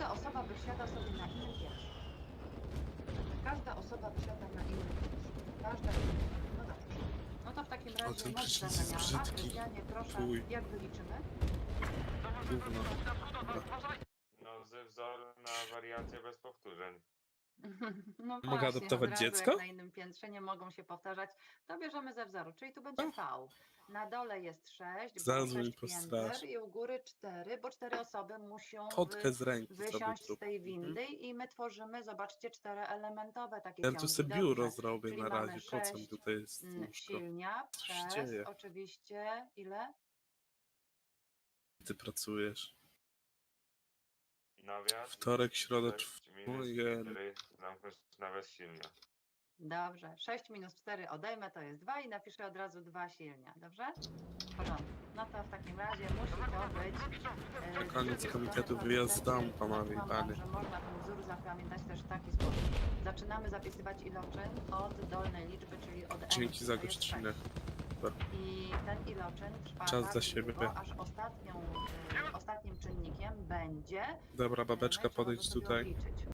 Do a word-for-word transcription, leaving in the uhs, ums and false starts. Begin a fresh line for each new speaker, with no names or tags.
każda osoba wysiada sobie na innym piętrze. Każda osoba wysiada na innym piętrze. Każda. No dobrze. No to w takim razie
ten
moc
prysznic jest
zamieniana.
brzydki.
Krystianie, proszę,
Fuj.
jak wyliczymy?
Gówno. Dobra.
No ze wzoru na wariację bez powtórzeń.
No
Mogę
właśnie,
adoptować
od razu
dziecko?
Jak na innym piętrze nie mogą się powtarzać, to bierzemy ze wzoru, czyli tu będzie V. Na dole jest sześć, bo
Zaraz mi
sześć
postrasz.
pięter i u góry cztery, bo cztery osoby muszą
Fotkę
wy,
z ręki sobie
wysiąść
zrób.
z tej
Mhm.
windy i my tworzymy, zobaczcie, czteroelementowe takie
Ja tu
ciągi.
sobie biuro
Dobrze.
zrobię
Czyli
na
mamy
razie. Po co mi
sześć
tutaj jest
mm,
łóżko?
silnia
Co się
przez
dzieje?
oczywiście ile?
Ty pracujesz.
Nawias.
Wtorek, środa,
sześć minus
czwartek.
cztery, zamknąć nawias silnia.
Dobrze, sześć minus cztery odejmę, to jest dwa i napiszę od razu dwa silnia, dobrze? W porządku. No to w takim razie musi to być... e, z
Koniec
drugiej
komitetu
strony
wyjazd
producenci
dam, panowie i
mówią
panie.
nam, że można ten wzór zapamiętać też w taki sposób. Zaczynamy zapisywać iloczyn od dolnej liczby, czyli od n.
Dzięki za
to jest
gościnę.
sześć. I ten iloczyn trwa
Czas
tak
dla siebie.
długo, aż ostatnią, e, ostatnim czynnikiem będzie...
Dobra, babeczka,
Trzeba go
podejdź
sobie
tutaj.
odliczyć.